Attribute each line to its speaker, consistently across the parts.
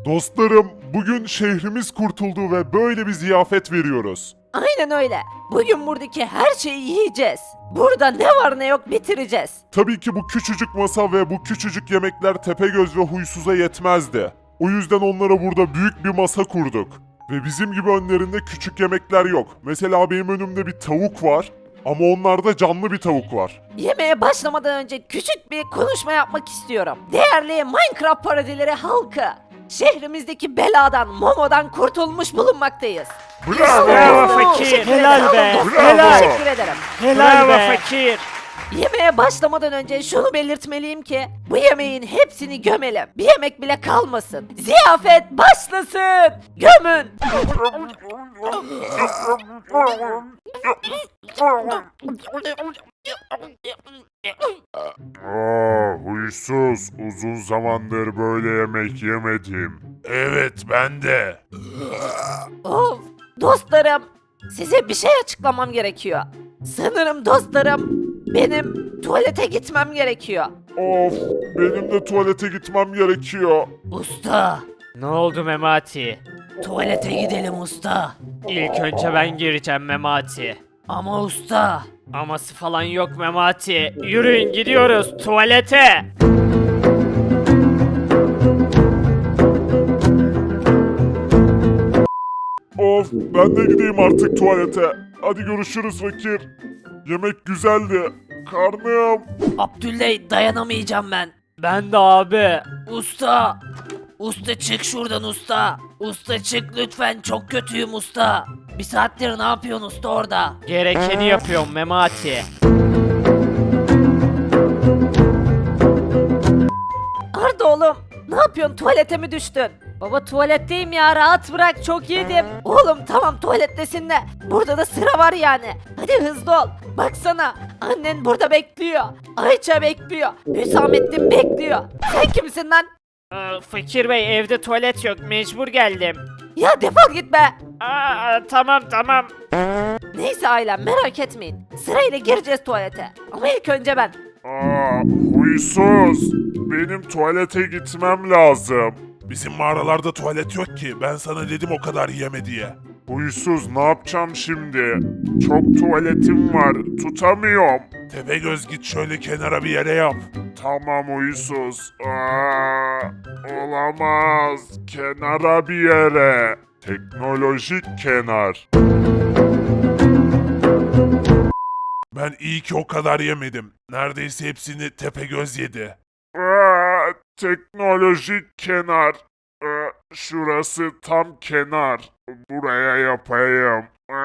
Speaker 1: Dostlarım, bugün şehrimiz kurtuldu ve böyle bir ziyafet veriyoruz.
Speaker 2: Aynen öyle. Bugün buradaki her şeyi yiyeceğiz. Burada ne var ne yok bitireceğiz.
Speaker 1: Tabii ki bu küçücük masa ve bu küçücük yemekler Tepegöz ve Huysuz'a yetmezdi. O yüzden onlara burada büyük bir masa kurduk. Ve bizim gibi önlerinde küçük yemekler yok. Mesela benim önümde bir tavuk var ama onlarda canlı bir tavuk var.
Speaker 2: Yemeğe başlamadan önce küçük bir konuşma yapmak istiyorum. Değerli Minecraft parodileri halkı. Şehrimizdeki beladan, Momo'dan kurtulmuş bulunmaktayız.
Speaker 3: Bravo fakir.
Speaker 2: Teşekkür
Speaker 3: Helal
Speaker 2: ederim.
Speaker 3: be.
Speaker 2: Dostum,
Speaker 3: Helal.
Speaker 2: Teşekkür ederim.
Speaker 3: Helal be fakir.
Speaker 2: Yemeğe başlamadan önce şunu belirtmeliyim ki bu yemeğin hepsini gömelim. Bir yemek bile kalmasın. Ziyafet başlasın. Gömün.
Speaker 1: Huysuz, uzun zamandır böyle yemek yemedim. Evet, ben de.
Speaker 2: Of, dostlarım, size bir şey açıklamam gerekiyor. Sanırım dostlarım, benim tuvalete gitmem gerekiyor.
Speaker 1: Of, benim de tuvalete gitmem gerekiyor.
Speaker 2: Usta,
Speaker 3: Ne oldu Memati?
Speaker 2: tuvalete gidelim usta.
Speaker 3: İlk önce ben gireceğim Memati.
Speaker 2: Ama usta,
Speaker 3: Aması falan yok Memati. Yürüyün gidiyoruz tuvalete.
Speaker 1: Of, ben de gideyim artık tuvalete. Hadi görüşürüz fakir. Yemek güzeldi. Karnım.
Speaker 2: Abdülley dayanamayacağım ben.
Speaker 3: Ben de abi.
Speaker 2: Usta, usta çık şuradan usta. Usta çık lütfen, çok kötüyüm usta. Bir saattir ne yapıyorsun usta orada?
Speaker 3: Gerekeni yapıyorum Memati.
Speaker 2: Arda oğlum, ne yapıyorsun, tuvalete mi düştün? Baba tuvaletteyim ya, rahat bırak, çok yedim. Oğlum tamam tuvalettesin de burada da sıra var yani. Hadi hızlı ol. Baksana annen burada bekliyor. Ayça bekliyor. Hüsamettin bekliyor. Sen kimsin lan?
Speaker 3: Fakir bey evde tuvalet yok mecbur geldim.
Speaker 2: Ya defol git be.
Speaker 3: Tamam.
Speaker 2: Neyse ailem, merak etmeyin. Sırayla gireceğiz tuvalete. Ama ilk önce ben.
Speaker 1: Huysuz. Benim tuvalete gitmem lazım. Bizim mağaralarda tuvalet yok ki. Ben sana dedim o kadar yeme diye. Huysuz, ne yapacağım şimdi? Çok tuvaletim var. Tutamıyorum. Tepegöz, git şöyle kenara bir yere yap. Tamam huysuz. Olamaz. Kenara bir yere. Teknolojik kenar. Ben iyi ki o kadar yemedim. Neredeyse hepsini Tepegöz yedi. Teknolojik kenar. Şurası tam kenar. Buraya yapayım.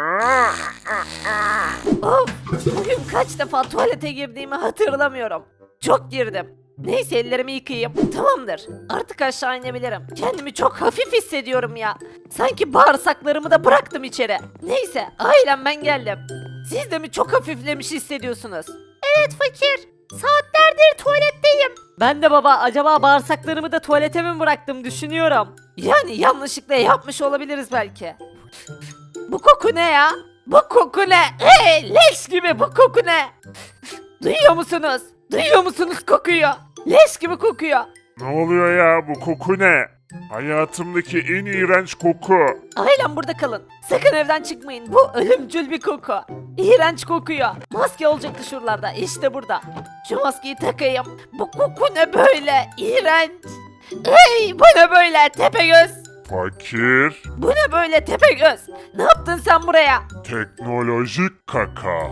Speaker 2: Of, bugün kaç defa tuvalete girdiğimi hatırlamıyorum. Çok girdim. Neyse ellerimi yıkayayım. Tamamdır. Artık aşağı inebilirim. Kendimi çok hafif hissediyorum ya. Sanki bağırsaklarımı da bıraktım içeri. Neyse ailem, ben geldim. Siz de mi çok hafiflemiş hissediyorsunuz? Evet fakir. Saatlerdir tuvaletteyim. Ben de baba, acaba bağırsaklarımı da tuvalete mi bıraktım düşünüyorum. Yani yanlışlıkla yapmış olabiliriz belki. Bu koku ne ya? Bu koku ne? Leş gibi bu koku ne? Duyuyor musunuz? Duyuyor musunuz kokuyu? Leş gibi kokuyor.
Speaker 1: Ne oluyor ya, bu koku ne? Hayatımdaki en iğrenç koku.
Speaker 2: Ailem burada kalın. Sakın evden çıkmayın. Bu ölümcül bir koku. İğrenç kokuyor. Maske olacaktı şuralarda. İşte burada. Şu maskeyi takayım. Bu koku ne böyle? İğrenç. Bu ne böyle Tepegöz?
Speaker 1: Fakir.
Speaker 2: Bu ne böyle Tepegöz? Ne yaptın sen buraya?
Speaker 1: Teknolojik kaka.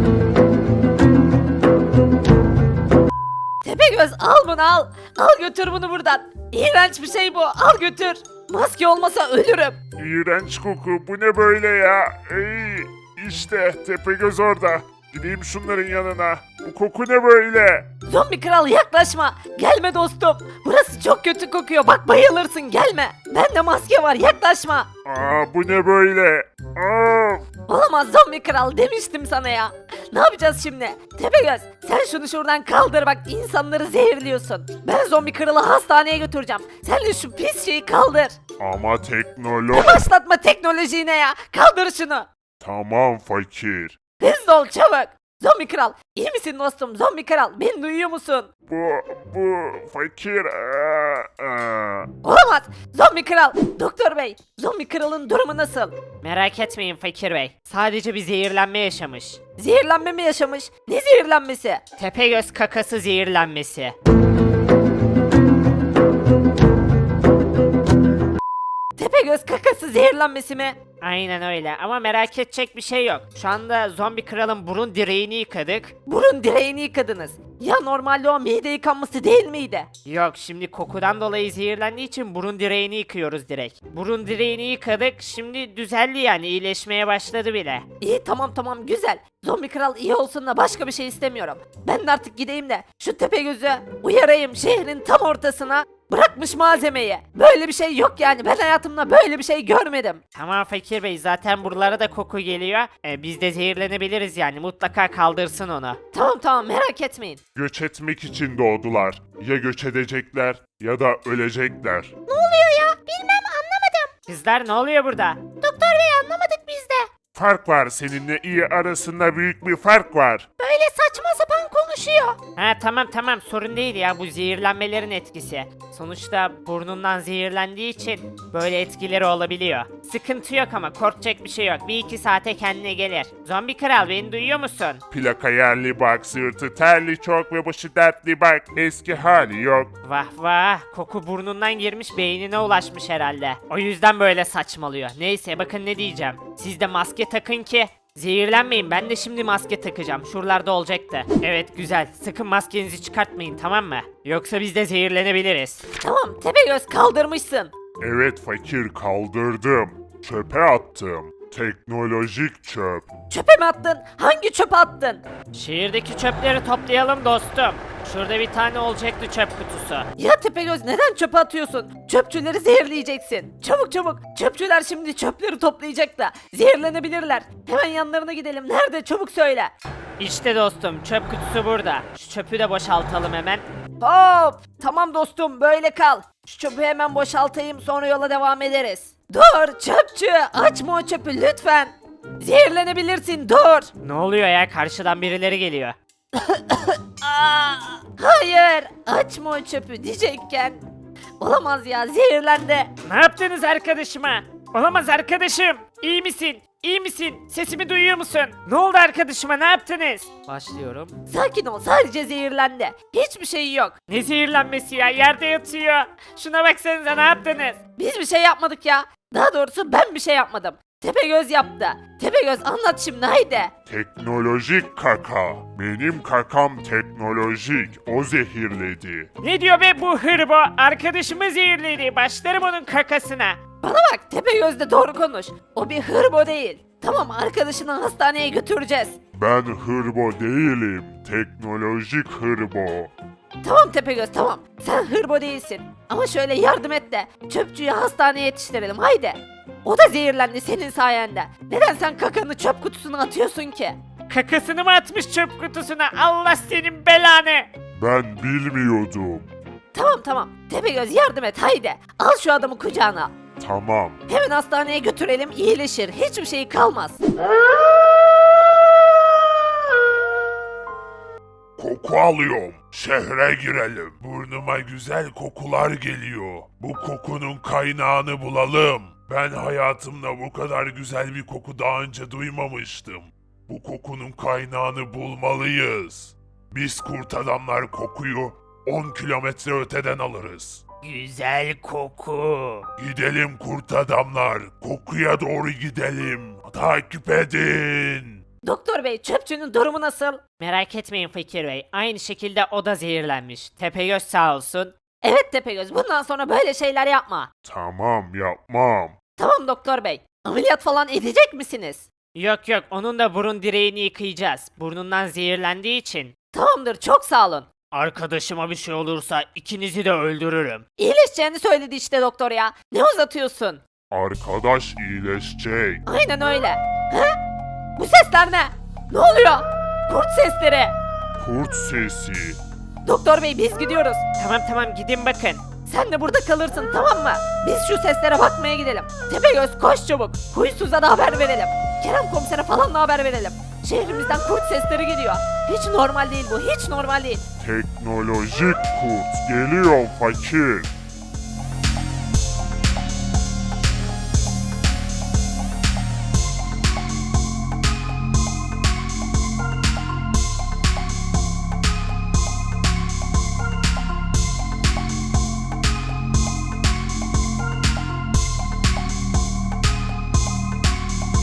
Speaker 2: Tepegöz al bunu al. Al götür bunu buradan. İğrenç bir şey bu. Al götür. Maske olmasa ölürüm.
Speaker 1: İğrenç koku, bu ne böyle ya? İşte Tepegöz orada. Gideyim şunların yanına. Bu koku ne böyle?
Speaker 2: Zombi kral yaklaşma. Gelme dostum. Burası çok kötü kokuyor. Bak bayılırsın, gelme. Bende maske var, yaklaşma.
Speaker 1: Bu ne böyle?
Speaker 2: Olamaz zombi kral, demiştim sana ya. Ne yapacağız şimdi? Tepegöz sen şunu şuradan kaldır, bak insanları zehirliyorsun. Ben zombi kralı hastaneye götüreceğim. Sen de şu pis şeyi kaldır.
Speaker 1: Ama teknoloji...
Speaker 2: Başlatma teknolojiyi ne ya. Kaldır şunu.
Speaker 1: Tamam fakir.
Speaker 2: Hızlı ol çabuk. Zombi kral. İyi misin dostum? Zombi kral. Beni duyuyor musun?
Speaker 1: Bu fakir.
Speaker 2: Olamaz. Zombi kral. Doktor bey. Zombi kralın durumu nasıl?
Speaker 3: Merak etmeyin Fakir Bey. Sadece bir zehirlenme yaşamış.
Speaker 2: Zehirlenme mi yaşamış? Ne zehirlenmesi?
Speaker 3: Tepegöz kakası zehirlenmesi.
Speaker 2: Tepegöz kakası zehirlenmesi mi?
Speaker 3: Aynen öyle ama merak edecek bir şey yok. Şu anda zombi kralın burun direğini yıkadık.
Speaker 2: Burun direğini yıkadınız. Ya normalde o mide yıkanması değil miydi?
Speaker 3: Yok şimdi kokudan dolayı zehirlendiği için burun direğini yıkıyoruz direkt. Burun direğini yıkadık şimdi düzeldi yani iyileşmeye başladı bile.
Speaker 2: İyi tamam güzel. Zombi kral iyi olsun da başka bir şey istemiyorum. Ben de artık gideyim de şu Tepegöz'ü uyarayım şehrin tam ortasına. Bırakmış malzemeyi. Böyle bir şey yok yani. Ben hayatımda böyle bir şey görmedim.
Speaker 3: Tamam Fakir Bey zaten buralara da koku geliyor. Biz de zehirlenebiliriz yani mutlaka kaldırsın onu.
Speaker 2: Tamam merak etmeyin.
Speaker 1: Göç etmek için doğdular. Ya göç edecekler ya da ölecekler.
Speaker 2: Ne oluyor ya? Bilmem anlamadım.
Speaker 3: Kızlar ne oluyor burada?
Speaker 2: Doktor bey anlamadık biz de.
Speaker 1: Fark var, seninle iyi arasında büyük bir fark var.
Speaker 2: Böyle saçma sapan konuşuyor.
Speaker 3: Ha tamam sorun değil ya bu zehirlenmelerin etkisi. Sonuçta burnundan zehirlendiği için böyle etkileri olabiliyor. Sıkıntı yok ama korkacak bir şey yok. 1-2 saate kendine gelir. Zombi kral beni duyuyor musun?
Speaker 1: Plaka yerli bak, sırtı terli çok ve başı dertli bak. Eski hali yok.
Speaker 3: Vah koku burnundan girmiş beynine ulaşmış herhalde. O yüzden böyle saçmalıyor. Neyse bakın ne diyeceğim. Siz de maske takın ki zehirlenmeyin. Ben de şimdi maske takacağım. Şuralarda olacaktı. Evet güzel. Sakın maskenizi çıkartmayın tamam mı? Yoksa biz de zehirlenebiliriz.
Speaker 2: Tamam Tepegöz kaldırmışsın.
Speaker 1: Evet fakir, kaldırdım. Çöpe attım. Teknolojik çöp.
Speaker 2: Çöpe mi attın? Hangi çöpe attın?
Speaker 3: Şehirdeki çöpleri toplayalım dostum. Şurada bir tane olacaktı çöp kutusu.
Speaker 2: Ya Tepegöz neden çöpe atıyorsun? Çöpçüleri zehirleyeceksin. Çabuk. Çöpçüler şimdi çöpleri toplayacak da zehirlenebilirler. Hemen yanlarına gidelim. Nerede? Çabuk söyle.
Speaker 3: İşte dostum çöp kutusu burada. Şu çöpü de boşaltalım hemen.
Speaker 2: Hop! Tamam dostum böyle kal. Şu çöpü hemen boşaltayım sonra yola devam ederiz. Dur çöpçü açma o çöpü lütfen. Zehirlenebilirsin dur.
Speaker 3: Ne oluyor ya karşıdan birileri geliyor.
Speaker 2: Aa, hayır açma o çöpü diyecekken. Olamaz ya zehirlendi.
Speaker 3: Ne yaptınız arkadaşıma? Olamaz arkadaşım. İyi misin? İyi misin? Sesimi duyuyor musun? Ne oldu arkadaşıma ne yaptınız? Başlıyorum.
Speaker 2: Sakin ol sadece zehirlendi. Hiçbir şey yok.
Speaker 3: Ne zehirlenmesi ya yerde yatıyor. Şuna baksanıza ne yaptınız?
Speaker 2: Biz bir şey yapmadık ya. Daha doğrusu ben bir şey yapmadım. Tepegöz yaptı. Tepegöz anlat şimdi haydi.
Speaker 1: Teknolojik kaka. Benim kakam teknolojik. O zehirledi.
Speaker 3: Ne diyor be bu hırbo? Arkadaşımı zehirledi. Başlarım onun kakasına.
Speaker 2: Bana bak Tepegöz de doğru konuş. O bir hırbo değil. Tamam arkadaşını hastaneye götüreceğiz.
Speaker 1: Ben hırbo değilim. Teknolojik hırbo.
Speaker 2: Tamam Tepegöz tamam. Sen hırbo değilsin. Ama şöyle yardım et de çöpçüyü hastaneye yetiştirelim haydi. O da zehirlendi senin sayende. Neden sen kakanı çöp kutusuna atıyorsun ki?
Speaker 3: Kakasını mı atmış çöp kutusuna? Allah senin belanı.
Speaker 1: Ben bilmiyordum.
Speaker 2: Tamam. Tepegöz yardım et haydi. Al şu adamı kucağına.
Speaker 1: Tamam.
Speaker 2: Hemen hastaneye götürelim iyileşir. Hiçbir şey kalmaz.
Speaker 1: Koku alıyorum. Şehre girelim. Burnuma güzel kokular geliyor. Bu kokunun kaynağını bulalım. Ben hayatımda bu kadar güzel bir koku daha önce duymamıştım. Bu kokunun kaynağını bulmalıyız. Biz kurt adamlar kokuyu 10 kilometre öteden alırız.
Speaker 3: Güzel koku.
Speaker 1: Gidelim kurt adamlar. Kokuya doğru gidelim. Takip edin.
Speaker 2: Doktor bey çöpçünün durumu nasıl?
Speaker 3: Merak etmeyin Fakir Bey. Aynı şekilde o da zehirlenmiş. Tepegöz sağ olsun.
Speaker 2: Evet Tepegöz bundan sonra böyle şeyler yapma.
Speaker 1: Tamam, yapmam.
Speaker 2: Tamam doktor bey. Ameliyat falan edecek misiniz?
Speaker 3: Yok onun da burun direğini yıkayacağız. Burnundan zehirlendiği için.
Speaker 2: Tamamdır çok sağ olun.
Speaker 3: Arkadaşıma bir şey olursa ikinizi de öldürürüm.
Speaker 2: İyileşeceğini söyledi işte doktor ya. Ne uzatıyorsun?
Speaker 1: Arkadaş iyileşecek.
Speaker 2: Aynen öyle. He? Bu sesler ne? Ne oluyor? Kurt sesleri.
Speaker 1: Kurt sesi.
Speaker 2: Doktor bey biz gidiyoruz.
Speaker 3: Tamam gidin bakın.
Speaker 2: Sen de burada kalırsın tamam mı? Biz şu seslere bakmaya gidelim. Tepegöz koş çabuk. Huysuza da haber verelim. Kerem komisere falan da haber verelim. Şehrimizden kurt sesleri geliyor. Hiç normal değil bu, hiç normal değil.
Speaker 1: Teknolojik kurt geliyor fakir.